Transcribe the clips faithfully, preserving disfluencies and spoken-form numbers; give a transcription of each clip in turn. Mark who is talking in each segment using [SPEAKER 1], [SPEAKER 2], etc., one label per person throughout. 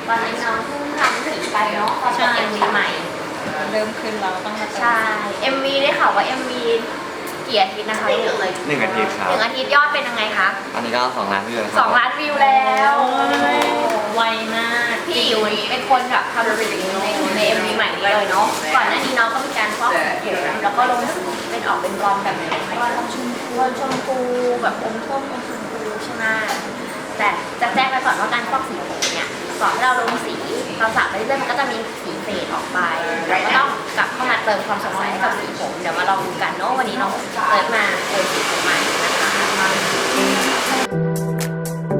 [SPEAKER 1] ตอนนี้น้องเพิ่งทำสีไปเนาะตอนเป็นเอ็มวีใหม่
[SPEAKER 2] เริ่มขึ้นเราต้องมาเติม
[SPEAKER 1] ใช่ เอ็มวี ได้ข่าวว่า เอ็มวี กี่อาทิตย์นะคะหนึ่งเลย
[SPEAKER 3] หนึ่งอาทิตย์ครับ
[SPEAKER 1] หนึ่งอาทิตย์ยอดเป็นยังไงคะ
[SPEAKER 3] ตอนนี้ก็สองล้านวิวแล้วค
[SPEAKER 1] ส
[SPEAKER 3] รั
[SPEAKER 1] องล้านวิวแล้ว
[SPEAKER 2] ไวมาก
[SPEAKER 1] พี่อิ๋วเป็นคนแบบทำสีในในเอ็มวีใหม่นี้เลยเนาะก่อนหน้านี้น้องก็มีการฟอกสีผมแล้วก็ลงสีเป็นออกเป็นบลอนด์แบบไหนว่าลงชมพูชมพูแบบอมส้มอมชมพูใช่ไหมแต่จะแจ้งไปก่อนว่าการฟอกสีผมเนี่ยก่อนที่เราลงสีเราสระไปเรื่อยๆมันก็จะมีสีเฟดออกไปเราก็ต้องกลับเข้ามาเติมความสดใสให้กับสีผมเดี๋ยวมาลองดูกันเนาะวันนี้น้องเติมมาเติมสีผมใหม่นะคะ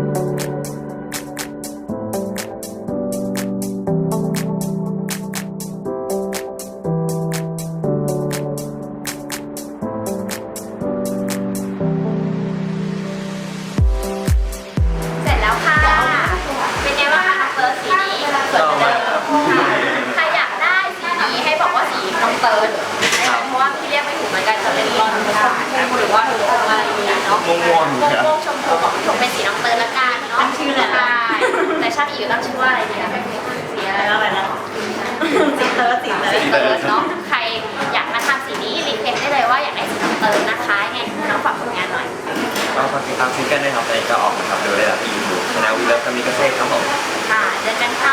[SPEAKER 1] เสร็จแล้วค่ะเป็นไงบ้างคะน้องเติร์ดสีนี้สวยจังเลยใครอยากได้สีนี้ให้บอกว่าสีน้องเติร์ดเพราะว่าพี่เรียกไม่ถูกเหมือนกันจะเป็นบอลชมพูหรือว่าอะไรอย่างเงี้ยเนาะ
[SPEAKER 3] ม่วงม่วง
[SPEAKER 1] ม่วงชมพูของชมเป็นสีน้องเติร์ดละกันเนาะชื่ออะไรแต่ชาติอีกตั้งชื่อว่าอะไรเนี่ยสีอะไร
[SPEAKER 2] แล้วอะไรนะสีเติร์ดสีเติร์ด
[SPEAKER 1] สีเติร์ดเนาะใครอยากมาทำสีนี้รีเควสได้เลยว่าอยากได้สีน้องเติร์ดนะคะไงน้องฝากผลงานหน่อย
[SPEAKER 3] ก็ฝากติดตามซิงเกิลด้วยครับตอนนี้ก็ออกนะครับดูได้แล้วที่ยูทูบช anel วีเลิฟกามิกาเซ่ครับผม
[SPEAKER 1] ค่ะเจอกันค่ะ